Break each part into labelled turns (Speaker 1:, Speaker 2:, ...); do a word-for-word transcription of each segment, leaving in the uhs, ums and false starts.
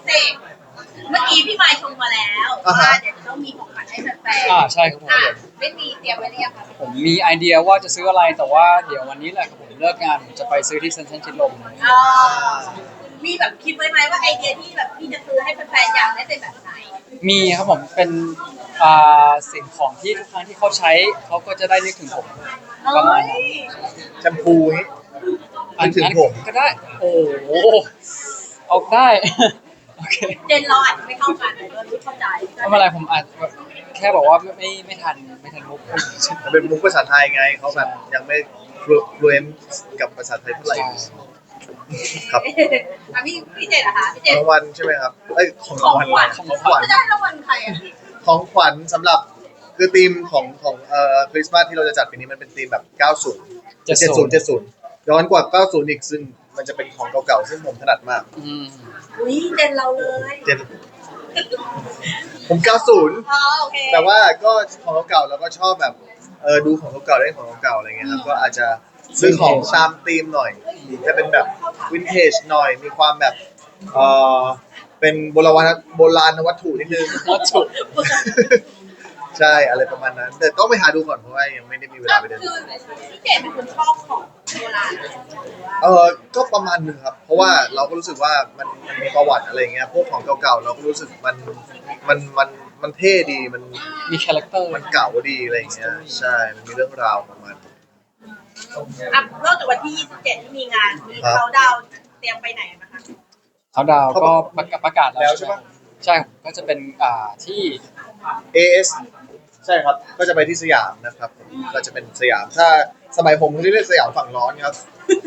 Speaker 1: เศษเมื่อกี้พี่ไมค์ชมมาแล้วว่าเดี๋ยวจะต้องมีของขวัญให้แฟนๆ
Speaker 2: อ่าใช่ครับผม
Speaker 1: ไม่มีเตรียมไว้หรือยังคะ
Speaker 2: ผมมีไอเดียว่าจะซื้ออะไรแต่ว่าเดี๋ยววันนี้แหละครับผมเลิกงานผมจะไปซื้อที่เซ็นทรัลชิดลม
Speaker 1: อ๋อมีแบบคิดไว้ไหมว่าไอเดียที่แบบพี่จะซื้อให้แฟนๆอยากได้เป็นแบบไหน
Speaker 2: มีครับผมเป็นอ่าสิ่งของที่ทุกครั้งที่เขาใช้เขาก็จะได้นึกถึงผมประมาณนั้น
Speaker 3: แชมพูนี้นึกถึงผม
Speaker 2: ก็ได้โอ้โหเอาได้โอเค
Speaker 1: เจนเราอาจจะไม่เข้ากันเลยไม่เข้าใจ
Speaker 2: ไม่เป็นไรผมอาจแค่บอกว่าไม่ไม่ไม่ทันไม่ทันมุก
Speaker 3: มันเป็นมุกภาษาไทยไงเขาแบบยังไม่ฟลูเอนซ์กับภาษาไทยเท่าไหร่ครับ
Speaker 1: พี่พี่เจนเหรอคะพี่เจน
Speaker 3: รางวัลใช่ไหมครับเอ้ยของ
Speaker 1: รางวัล
Speaker 3: ของขวัญ
Speaker 1: จะได้รางวัลใครอ่ะ
Speaker 3: ของขวัญสำหรับคือธีมของของเอ่อคริสต์มาสที่เราจะจัดปีนี้มันเป็นธีมแบบเก้าสิบ เจ็ดสิบ เจ็ดสิบย้อนกว่าเก้าสิบอีกซึ่งมันจะเป็นของเก่าๆซึ่งผมถนัดมาก
Speaker 2: อืม
Speaker 1: อุ้ยเจนเราเลย
Speaker 3: เจนผมเก้าสิบ
Speaker 1: อ๋อโอเค
Speaker 3: แต่ว่าก็ของเก่าๆแล้วก็ชอบแบบเออดูของเก่าๆได้ของเก่าๆอะไรเงี้ยครับก็อาจจะซื้อของตามธีมหน่อยจะเป็นแบบวินเทจหน่อยมีความแบบเออเป็นโบราณโบราณวัตถุนิดนึง
Speaker 2: วัตถุ
Speaker 3: ใช่อะไรประมาณนั้นแต่ต้องไปหาดูก่อนเพราะว่ายังไม่ได้มีเวลาไปเดิน
Speaker 1: คือพี่เจนเป็นคนชอบของโบราณ
Speaker 3: เออก็ประมาณนึงครับเพราะว่าเราก็รู้สึกว่ามันมันมีประวัติอะไรเงี้ยพวกของเก่าๆเราก็รู้สึกมันมันมันมันเท่ดีมัน
Speaker 2: มีคาแรคเตอร์
Speaker 3: มันเก่าดีอะไรเงี้ยใช่มันมีเรื่องราวของมัน
Speaker 1: อ่ะนอกจากวันที่ยี่สิบเจ็ดที่มีงานมีเขาดาวเตรียมไปไหนนะคะ
Speaker 2: เขาดาวก็ประกาศแล้วใช่ไหมใช่ก็จะเป็นอ่าที่
Speaker 3: เอ เอส ใช่ครับก็จะไปที่สยามนะครับก็จะเป็นสยามถ้าสมัยผมเรียกสยามฝั่งร้อนครับ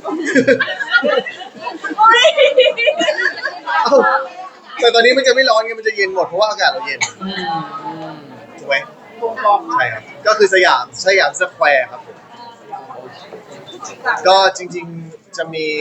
Speaker 3: แต่ตอนนี้มันจะไม่ร้อนไงมันจะเย็นหมดเพราะว่าอากาศเราเย็นถูกไหมใช่ครับก็คือสยามสยามสแควร์ครับผมก็จริงๆจะมี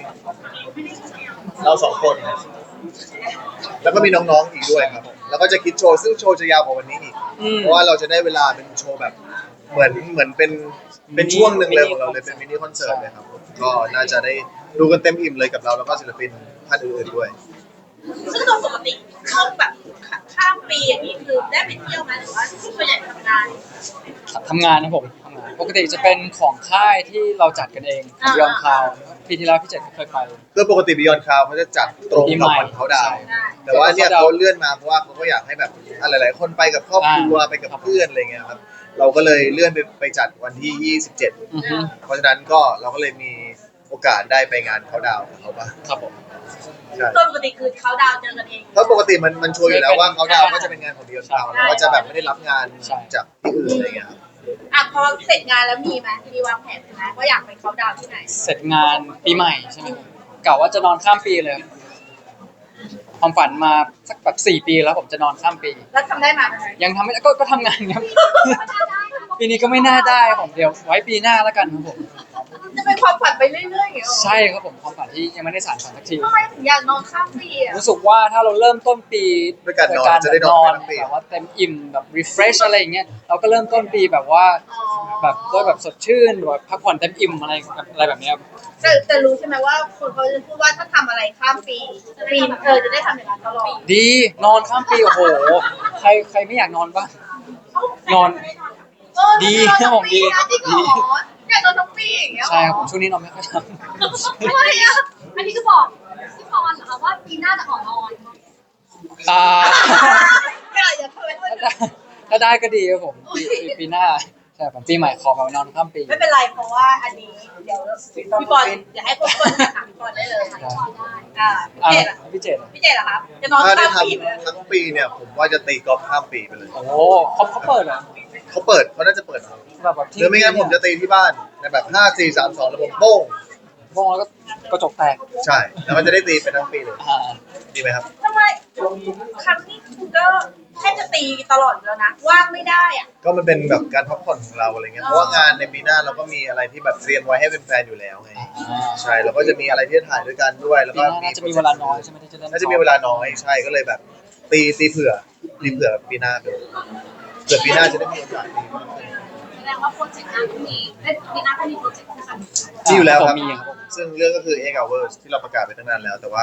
Speaker 3: เราสองคนแล้วก็มีน้องๆอีกด้วยครับแล้วก็จะคิดโชว์ซึ่งโชว์จะยาวกว่าวันนี้อีกเพราะว่าเราจะได้เวลาเป็นโชว์แบบเหมือนเหมือนเป็นเป็นช่วงหนึ่งเลยของเราเลยเป็นมินิคอนเสิร์ตเลยครับก็น่าจะได้ดูกันเต็มอิ่มเลยกับเราแล้วก็ศิลปินท่านอื่นๆด้วย
Speaker 1: ซึ่งโดยปกติช่วงแบบข้ามปีอย่างนี้คือได้ไปเที่ยวไหมหรือว่าส่วนใหญ่ทำงาน
Speaker 2: ทำงานนะผมทำงานปกติจะเป็นของค่ายที่เราจัดกันเองบิยอนคาวปีที่แล้วพี่เจษเคยไป
Speaker 3: คือปกติบิยอนคาวเขาจะจัดตรงกับวันเขาดาวแต่ว่าเนี่ยเขาเลื่อนมาเพราะว่าเขาก็อยากให้แบบหลายๆคนไปกับครอบครัวไปกับเพื่อนอะไรเงี้ยครับเราก็เลยเลื่อนไปไปจัดวันที่ยี่สิบเจ็ดเพราะฉะนั้นก็เราก็เลยมีโอกาสได้ไปงานเขาดาวกับเขาบ้าง
Speaker 2: ครับผม
Speaker 1: ต้นปกติคือเขาดาวเจอกันเอง
Speaker 3: เพราะปกติมันมันชัวร์อยู่แล้วว่าเขาดาวก็จะเป็นงานของบิยอนคาวแล้วก็จะแบบไม่ได้รับงานจากที่อื่นอะไรเงี้ยครับ
Speaker 1: อ่ะพอเสร็จงานแล้วมีไหมมีวางแผนไหมว่าอยากไปเขาดาวที่ไหน
Speaker 2: เสร็จงานปีใหม่ใช่ไหมกะว่าจะนอนข้ามปีเลยความฝันมาสักแบบสี่ปีแล้วผมจะนอนข้ามปี
Speaker 1: แล้วทำได้ไหม
Speaker 2: ยังทำไม่ก็ก็ทำงานครับปีนี้ก็ไม่น่าได้ผมเดี๋ยวไว้ปีหน้าแล้วกันครับผม
Speaker 1: จะเป็นความฝันไปเรื่อยๆอย่างเงี้ย
Speaker 2: ใช่ครับผมความฝันที่ยังไม่ได้สานฝันสักที
Speaker 1: ทำไมถึงอยากนอนข้ามปีอ่ะ
Speaker 2: รู้สึกว่าถ้าเราเริ่มต้นปี
Speaker 3: ด้วยการนอนจะได้นอน
Speaker 2: แบบว่าเต็มอิ่มแบบ refresh อะไรอย่างเงี้ยเราก็เริ่มต้นปีแบบว่าแบบด้วยแบบสดชื่นแบบพักผ่อนเต็มอิ่มอะไรอะไรแบบนี้
Speaker 1: แต่แต่รู้ใช่ไหมว่าคนเขาจะพูดว่าถ้าทำอะไรข้ามปีปีเธอจะได้ทำอย่างนั้นตลอด
Speaker 2: ดีนอนข้ามปีโอ้โหใครใครไม่อยากนอนบ้างนอนดีนะผมดี
Speaker 1: ดีอยากนอนทั้งปีอย่างเงี้ย
Speaker 2: ใช่ครับผมช่วงนี้นอนไม่ค่อยท
Speaker 1: ำทำไมอ่ะอันนี้ก็บอกพี่พรเหรอคะว่าปีหน้าจะขอนอน
Speaker 2: อ่า
Speaker 1: อย่าเคย
Speaker 2: ถ้าได้ก็ดีครับผมปีหน้าใช่ผมปีใหม่ขอแบบนอนข้ามปี
Speaker 1: ไม่เป็นไรเพราะว่าอันนี้เดี๋ยวพี่บอลอย่าให้พวกคนถามพี่บอลได้เลยอ่า
Speaker 2: พี่เจด
Speaker 1: พี่เจดเหรอครับจะนอนข้ามปี
Speaker 3: ทั้งปีเนี่ยผมว่าจะตีกอล์ฟข้ามปีไปเลย
Speaker 2: โอ้เขาเขาเปิดเหรอ
Speaker 3: เขาเปิดเขาน่าจะเปิดหรือไม่งั้นผมจะตีที่บ้านในแบบห้าสี่สามสองแล้วผมโป้ง
Speaker 2: โป้งแล้วก็กระจกแตก
Speaker 3: ใช่แล้วมันจะได้ตีไปทั้งปีเลยดีไหมครับ
Speaker 1: ทำไมครั้งนี้คุณก็แค่จะตีตลอดแล้วนะว่างไม่ได้อ่ะ
Speaker 3: ก็มันเป็นแบบการพักผ่อนของเราอะไรเงี้ยเพราะว่างานในปีหน้าเราก็มีอะไรที่แบบเตรียมไว้ให้เป็นแฟนอยู่แล้วไงใช่เราก็จะมีอะไรที่ถ่ายด้วยกันด้วยแล้วก็
Speaker 2: น่าจะมีเวลาน้อยใช่ไหมที่จะเล่น
Speaker 3: น่าจะมีเวลาน้อยใช่ก็เลยแบบตีตีเผื่อตีเผื่อปีหน้าไปเผื่อปีหน้าจะได้มีโอกาสตี
Speaker 1: แสดงว่าโปรเจกต์งานก็มีปีหน้าก็มีโปรเจกต์ที่สำคัญ
Speaker 3: มีอยู่แล้วครับซึ่งเรื่องก็คือ Egg Hours ที่เราประกาศไปตั้งนานแล้วแต่ว่า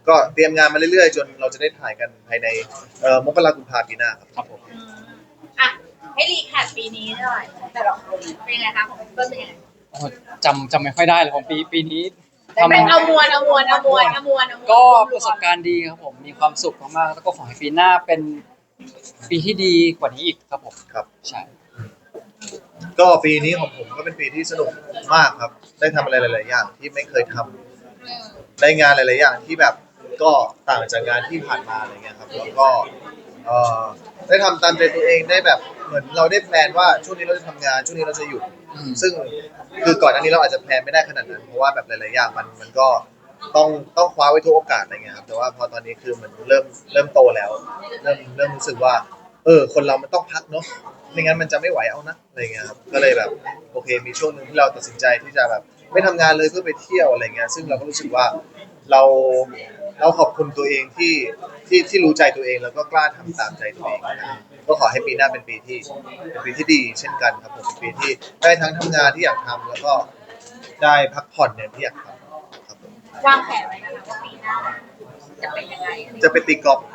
Speaker 3: ก็เตรียมงานมาเรื่อยๆ จนเราจะได้ถ่ายกันภายในเอ่อมกราคมกุมภาพันธ์ปีหน้าครับ
Speaker 2: ครับผม
Speaker 1: อืมอ่ะให้รีแคปปีนี้หน่อยแต่ละคนเป็นยังไงคะของเปิ้ลเป็นยังไง
Speaker 2: โอ้โหจำจำไม่ค่อยได้เลยของปีปีนี้ทำ
Speaker 1: เป็นเอามวลเอามวลเอามวลเอามวลเอามวล
Speaker 2: ก็ประสบการณ์ดีครับผมมีความสุขมากๆแล้วก็ขอให้ปีหน้าเป็นปีที่ดีกว่านี้อีกครับผม
Speaker 3: ครับ
Speaker 2: ใช่
Speaker 3: ก็ปีนี้ของผมก็เป็นปีที่สนุกมากครับ ได้ทำอะไรหลายๆอย่างที่ไม่เคยทำได้งานหลายๆอย่างที่แบบก็ต่างจากงานที่ผ่านมาอะไรเงี้ยครับแล้วก็เอ่อได้ทำตามใจตัวเองได้แบบเหมือนเราได้แพลนว่าช่วงนี้เราจะทำงานช่วงนี้เราจะหยุด
Speaker 2: อืม
Speaker 3: ซึ่งคือก่อนหน้านี้เราอาจจะแพลนไม่ได้ขนาดนั้นเพราะว่าแบบหลายๆอย่างมันมันก็ต้องต้องคว้าไว้ทุกโอกาสอะไรเงี้ยครับแต่ว่าพอตอนนี้คือมันเริ่มเริ่มโตแล้ว เริ่มเริ่มรู้สึกว่า เออ คนเรามันต้องพักเนาะไม่งั้นมันจะไม่ไหวเอานะอะไรเงี้ยครับก็เลยแบบโอเคมีช่วงหนึ่งที่เราตัดสินใจที่จะแบบไม่ทำงานเลยเพื่อไปเที่ยวอะไรเงี้ยซึ่งเราก็รู้สึกว่าเราเราขอบคุณตัวเองที่ที่ที่รู้ใจตัวเองแล้วก็กล้าทำตามใจตัวเองนะครับก็ขอให้ปีหน้าเป็นปีที่เป็นปีที่ดีเช่นกันครับผมเป็นปีที่ได้ทั้งทำงานที่อยากทำแล้วก็ได้พักผ่อนเนี่ยที่อยากทำครับผม
Speaker 1: วางแผนไว้นะคะว่าปีหน้าจะเป็นยังไง
Speaker 3: จะไปตีกอล์ฟ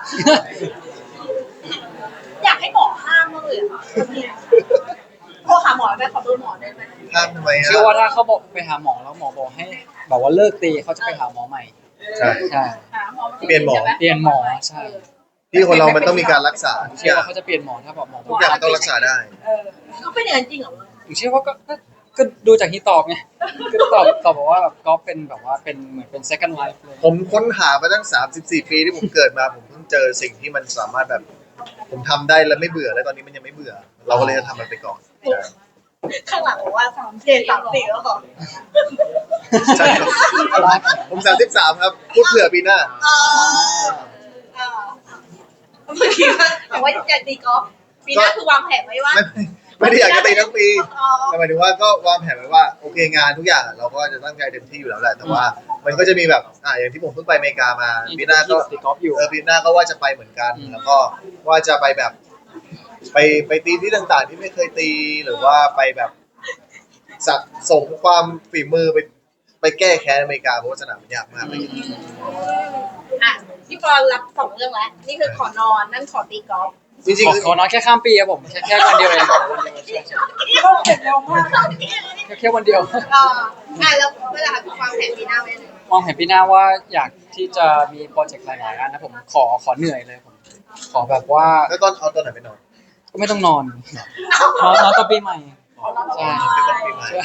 Speaker 1: อยากให้หมอห้ามมากเลยอะโทรหาหมอไปขอเบอร์หมอได้ไหม
Speaker 3: ห้ามทำไมฮะ
Speaker 2: เชื่อว่าถ้าเขาบอกไปหาหมอแล้วหมอบอกให้แบบว่าเลิกตีเขาจะไปหาหมอใหม่
Speaker 3: ใช่
Speaker 2: ใช่
Speaker 1: หาหมอ
Speaker 3: เปลี่ยนหมอ
Speaker 2: เปลี่ยนหมอใช่
Speaker 3: ที่คนเรามันต้องมีการรักษาทุก
Speaker 2: เชื่
Speaker 3: อ
Speaker 2: อย่าง ว่าเขาจะเปลี่ยนหมอถ้าแบบหมอบ
Speaker 3: ทุ
Speaker 2: อก
Speaker 3: กอย่างมันต้องรักษาได้
Speaker 1: เออก็เป็นอย่างนั้นจริงเหรอ
Speaker 2: ผมเชื่อว่าก็ก็ก็ดูจากที่ตอบไงก็ตอบตอบบอกว่าแบบก็เป็นแบบว่าเป็นเหมือนเป็น second life เลย
Speaker 3: ผมค้นหามาตั้งสามสิบสี่ปีที่ผมเกิดมาผมเพิ่งเจอสิ่งที่มันสามารถแบบ ผมทำได้แล้วไม่เบื่อแล้วตอนนี้มันยังไม่เบื่อ เราก็เลยจะทำมันไปก่อนใช่
Speaker 1: ข้างหลังบอกว่าสามเจนสามสี่แล้วเหรอ
Speaker 3: ใช่ครับผมสามสิบสามครับพูดเผื่อปีหน้า
Speaker 1: เออเออเมื่อกี้ว่าแต่ว่าอยากตีกอล์ฟปีหน้าคือวางแผนไว้ว่า
Speaker 3: ไม่ไม่ได้อยากจะตีทั้งปี
Speaker 1: อ๋อ
Speaker 3: แต่หมายถึงว่าก็วางแผนไว้ว่าโอเคงานทุกอย่างเราก็จะตั้งใจเต็มที่อยู่แล้วแหละแต่ว่า มันก็จะมีแบบอ่าอย่างที่ผมเพิ่งไปอเมริกามาปีหน้าก็
Speaker 2: ตีกอล์ฟอยู่
Speaker 3: เออปีหน้าก็ว่าจะไปเหมือนกัน
Speaker 2: อืม
Speaker 3: แล้วก็ว่าจะไปแบบ ไปไปตีที่ต่างๆ ที่ไม่เคยตีหรือว่าไปแบบสะสมความฝีมือไปไปแก้แค้นอเมริกาเพราะว่าสนามมันยากมากอะไรอย่างเงี้ย
Speaker 1: อ่ะพี่ปอนรับสองเรื่องแล้วนี่คือขอนอนนั่นขอตีกอล์ฟ
Speaker 3: จริง
Speaker 2: ขอขอนอนแค่ข้ามปีครับผมแค่แค่วันเดียวเองวันเดียวใช่ใช่
Speaker 1: ก็เสร็จเร็วมาก
Speaker 2: แค่แค่วันเดียว
Speaker 1: อ่าอ่ะแล้วเวลาวางแผนปีหน้าไว้เลย
Speaker 2: มองเห็นปีหน้าว่าอยากที่จะมีโปรเจกต์หลายๆอันนะผมขอขอเหนื่อยเลยผมขอแบบว่า
Speaker 3: ๆแล้วตอนเอาตอนไหนไปนอน
Speaker 2: ก็ไม่ต้องนอนนอนนอนตอนปีใหม่ใช่
Speaker 3: เป็นตอนปีใหม่
Speaker 2: ใช่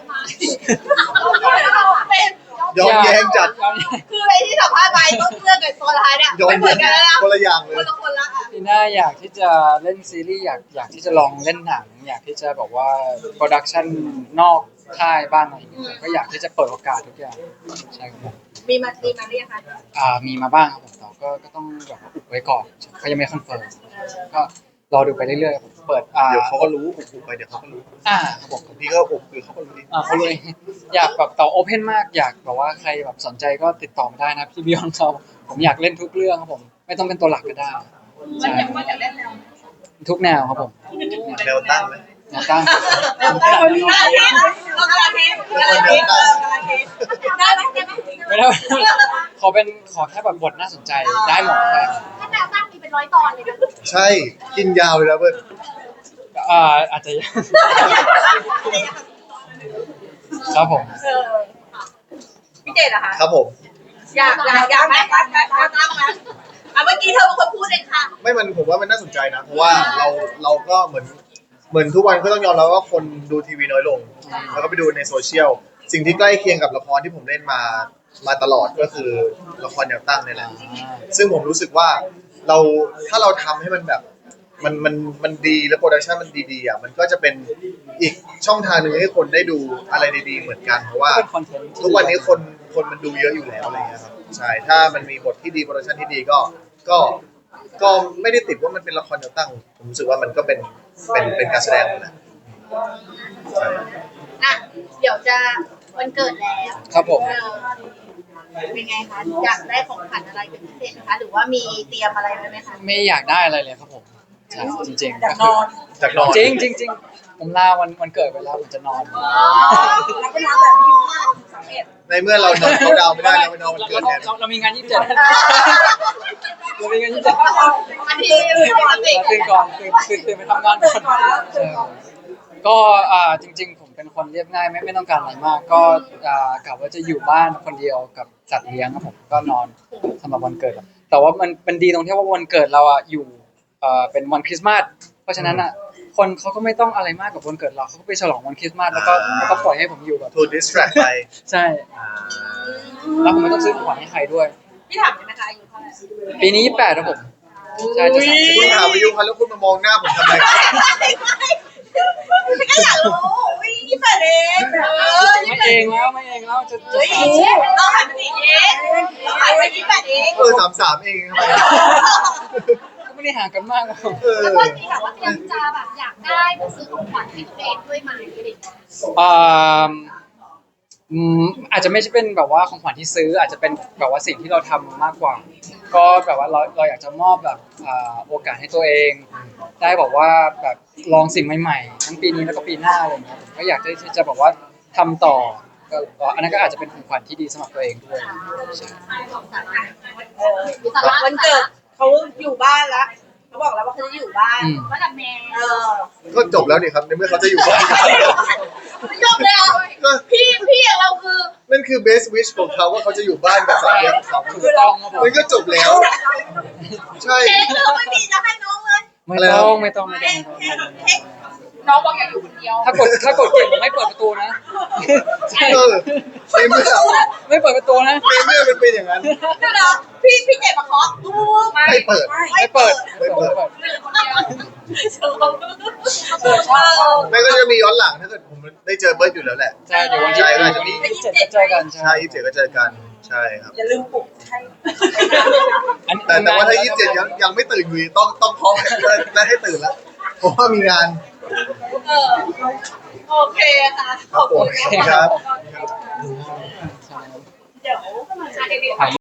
Speaker 1: เป็น
Speaker 3: ย้อนแย้งจัด
Speaker 2: ย้อนแย้ง
Speaker 1: คือไอ้ที่สัมภาษณ์ไปต้นเรื่องกับตัวร้ายเนี่ย
Speaker 3: ย้อน
Speaker 1: ไม่เหมื
Speaker 3: แย้
Speaker 1: อนกันแล้วนะ
Speaker 3: งคนละอย่างเล
Speaker 1: คน
Speaker 3: ย
Speaker 1: ละคนละอ่ะ
Speaker 2: ปีหน้าอยากที่จะเล่นซีรีส์อยากอยากที่จะลองเล่นหนัง อยากที่จะแบบว่าโปรดักชันนอกค่ายบ้างอะไรอย่างเงี้ยก็อยากที่จะเปิดโอกาสทุกอย่างใช่ครับผม
Speaker 1: มีมามีมาหรือยังคะ
Speaker 2: อ่ามีมาบ้างครับผมแต่ก็ก็ต้องแบบว่าอุบไว้ก่อนเขายังไม่คอนเฟิร์มก็รอดูไปเรื่อยๆผมเปิดอ่า
Speaker 3: เดี๋ยวเขาก็รู้ผมปลุกไปเดี๋ยวเขาก็รู้
Speaker 2: อ่าครับผม
Speaker 3: พี่ก็ปลุกคือเขาก็รู้ดิ
Speaker 2: อ่าเขาเลย อยากแบบต่อโอเพนมากอยากแบบว่าใครแบบสนใจก็ติดต่อมาได้นะพี่บิยอนเขาผมอยากเล่นทุกเรื่องครับผม ไม่ต้องเป็นตัวหลักก็ได้
Speaker 1: มัน
Speaker 2: ใช่
Speaker 1: อยากมันอยากเล่นแนว
Speaker 2: ทุกแนวครับผม
Speaker 3: แนวตั้งไหม
Speaker 2: แนวตั้ง
Speaker 1: เรากำลังคิดเรากำลังคิดเรากำลังคิดเรากำลังคิดได้ไหมได้ไหม
Speaker 2: ไม่ได้ ขอเป็นขอแค่แบบบทน่าสนใจได้หมดเลย
Speaker 1: ถ้าแนวตั้งมีเป็นร้อยตอนเลยนะ
Speaker 3: ใช่กินยาวเลยนะเพื่อน
Speaker 2: อ่าอาจจะยังครับผม
Speaker 1: เออพี่เจดอะคะ
Speaker 3: ครับผม
Speaker 1: อยากอยากอยากไหมอยากไหมอยากตั้งไหมอ่ะเมื่อกี้เธอเป็นคนพูดเองค่ะ
Speaker 3: ไม่มันผมว่ามันน่าสนใจนะ เพราะว่าเราเราก็เหมือนเหมือนทุกวันก็ต้องยอมรับว่าคนดูทีวีน้อยลง แล้วก็ไปดูในโซเชียลสิ่งที่ใกล้เคียงกับละครที่ผมเล่นมามาตลอดก็คือละครแนวตั้งนี่แหละ ซึ่งผมรู้สึกว่าเราถ้าเราทำให้มันแบบมันมันมันดีและโปรดักชันมันดีๆอ่ะมันก็จะเป็นอีกช่องทางหนึ่งให้คนได้ดูอะไรดีๆเหมือนกันเพราะว่า
Speaker 2: เป็นคอนเทนต์
Speaker 3: ทุกวันนี้คนคนมันดูเยอะอยู่แล้วอะไรเงี้ยครับใช่ถ้ามันมีบทที่ดีโปรดักชันที่ดีก็ก็ก็ไม่ได้ติดว่ามันเป็นละครแนวตั้งผมรู้สึกว่ามันก็เป็นเป็นเป็นการแสดงหมดแหละใช่
Speaker 1: อ่ะเดี๋ยวจะวันเกิดแล้ว
Speaker 2: ครับผม
Speaker 1: เออเป็นไงคะอยากได้ของขวัญอะไรเป็นพิเศษไหมคะหรือว่ามีเตรียมอะไรไว้ไหมคะ
Speaker 2: ไม่อยากได้อะไรเลยครับผมใช่จริงๆ
Speaker 1: อยากนอน
Speaker 3: จากนอน
Speaker 2: จริงจริงจริงผผมลาวันวันเกิดไปแล้วผมจะนอน
Speaker 1: แล้วเป็นร้านแบบยี่สิบห้าถึงสามเอ็ด
Speaker 3: ในเมื่อเรานอนเขาดาวน์ไม่ได้เราไปนอนวันเกิดแทน
Speaker 2: เราเรามีงานยี่สิบเจ็ดเรามีงานยี่สิบเจ็ด
Speaker 1: อันนี้คือปกติ
Speaker 2: ตื่นก่อนตื่นตื่นตื่นไปทำงานก่อนใช่ครับก็อ่าจริง ๆ ผมเป็นคนเรียบง่ายไม่ไม่ต้องการอะไรมาก ก็อ่ากะว่าจะอยู่บ้านคนเดียวกับสัตว์เลี้ยงครับผมก็นอนสำหรับวันเกิด แต่ว่ามันมันดีตรงที่ว่าวันเกิดเราอ่ะอยู่เอ่อเป็นวันคริสต์มาสเพราะฉะนั้นอ่ะคนเขาก็ไม่ต้องอะไรมากกับวันเกิดเราเขาก็ไปฉลองวันคริสต์มาสแล้วก็แล้วก็ปล่อยให้ผมอยู่แบบ
Speaker 3: ถูก distract ไป
Speaker 2: ใช่แล้วผมไม่ต้องซื้อของขวัญให้ใครด้วย
Speaker 1: พี่ถามได้ไหมคะอายุเท่าไหร่
Speaker 2: ปีนี้ยี่สิบแปดครับผมใช่จะสามสิบ
Speaker 3: คุณถามอายุเขาแล้วคุณมามองหน้าผมทำไมครับ
Speaker 1: ก็อยากรู้วิ่งยี่สิบแปดเองเออยี่
Speaker 2: ไม่
Speaker 1: สิบแปด
Speaker 2: เองแล้วไม่เองแล้วจะจะ
Speaker 1: เฮ้ย
Speaker 2: สามสิบ
Speaker 1: เราขายไปสี่เองเราขายไปยี่สิบแปดเอง
Speaker 3: เออสามสามเองทำไม
Speaker 2: ก็ไม่ได้ห่างกันมากหรอก
Speaker 3: เออ
Speaker 4: แล้วก็มีแบบว่าเตรียมจะแบบอยากได้หรือซื้อของขวัญให้ตัวเองด้วยไหมอะไรอย่างเงี้ย
Speaker 2: อ่าอืมอาจจะไม่ใช่เป็นแบบว่าของขวัญที่ซื้อ อาจจะเป็นแบบว่าสิ่งที่เราทำมากกว่า ก็แบบว่าเราเราอยากจะมอบแบบอ่าโอกาสให้ตัวเอง ได้บอกว่าแบบลองสิ่งใหม่ๆทั้งปีนี้แล้วก็ปีหน้าอะไรอย่างเงี้ยผมก็อยากที่จะบอกว่าทำต่อก็ก็อันนั้นก็อาจจะเป็นของขวัญที่ดีสำหรับตัวเองด้วย
Speaker 1: วันเกิดเขาอยู่บ้านแล้วเขาบอกแล้วว่าเขาจะอยู่บ้าน
Speaker 2: อืม
Speaker 4: ว่ากับแม่
Speaker 1: เออ
Speaker 3: ก็จบแล้วนี่ครับในเมื่อเขาจะอยู่บ้าน
Speaker 1: จบเลยเหรอ
Speaker 3: ก็
Speaker 1: พี่พี่อย่างเราคือ
Speaker 3: นั่นคือ best wish ของเขาว่าเขาจะอยู่บ้านกับสามีของเขา
Speaker 2: ถูกต้องครับผม
Speaker 3: มันก็จบแล้ว ใช่
Speaker 1: เค้กเราไม่มีจะให้น้องเลย
Speaker 2: ไม่ต้องไม่ต้องไม่ต้
Speaker 1: เค้
Speaker 2: อง
Speaker 1: ก
Speaker 2: ไม่ต้อง
Speaker 1: เค้ก
Speaker 4: น้องบอกอยากอยู่คนเดียว
Speaker 2: ถ้ากดถ้ากดเก่งผมไม่เปิดประตูนะ
Speaker 3: เออในเมื่อ
Speaker 2: ไม่เปิดประตูนะ
Speaker 3: ในเมื่อมันเป็นอย่างนั้น
Speaker 1: เดี๋ยวนะพี่พี่เจ็บมาเคาะตู้
Speaker 3: ไม่เปิด
Speaker 2: ไม่เปิด
Speaker 3: ไม่เปิด
Speaker 1: คนเดียวเออ
Speaker 3: ไม่ก็จะมีย้อนหลังถ้าเกิดผมได้เจอเบิร์ดอยู่แล้วแหละ
Speaker 2: ใช่เดี๋ยววันที่
Speaker 3: ใช่
Speaker 2: วันที่ยี่สิบเจ็ดก็เจอกัน
Speaker 3: ใช่ยี่สิบเจ็ดก็เจอกันใช่ครับ
Speaker 1: อย่าลืมปลุกให้
Speaker 2: อันนี้
Speaker 3: แต่แต่ว่าถ้ายี่สิบเจ็ดยังยังไม่ตื่นอยู่ดีต้องต้องเคาะและให้ตื่นแล้วเพราะว่ามีงาน
Speaker 1: เออโอเคค่ะขอบคุณ
Speaker 3: ครับ
Speaker 1: เดี๋ยว
Speaker 2: ถ่าย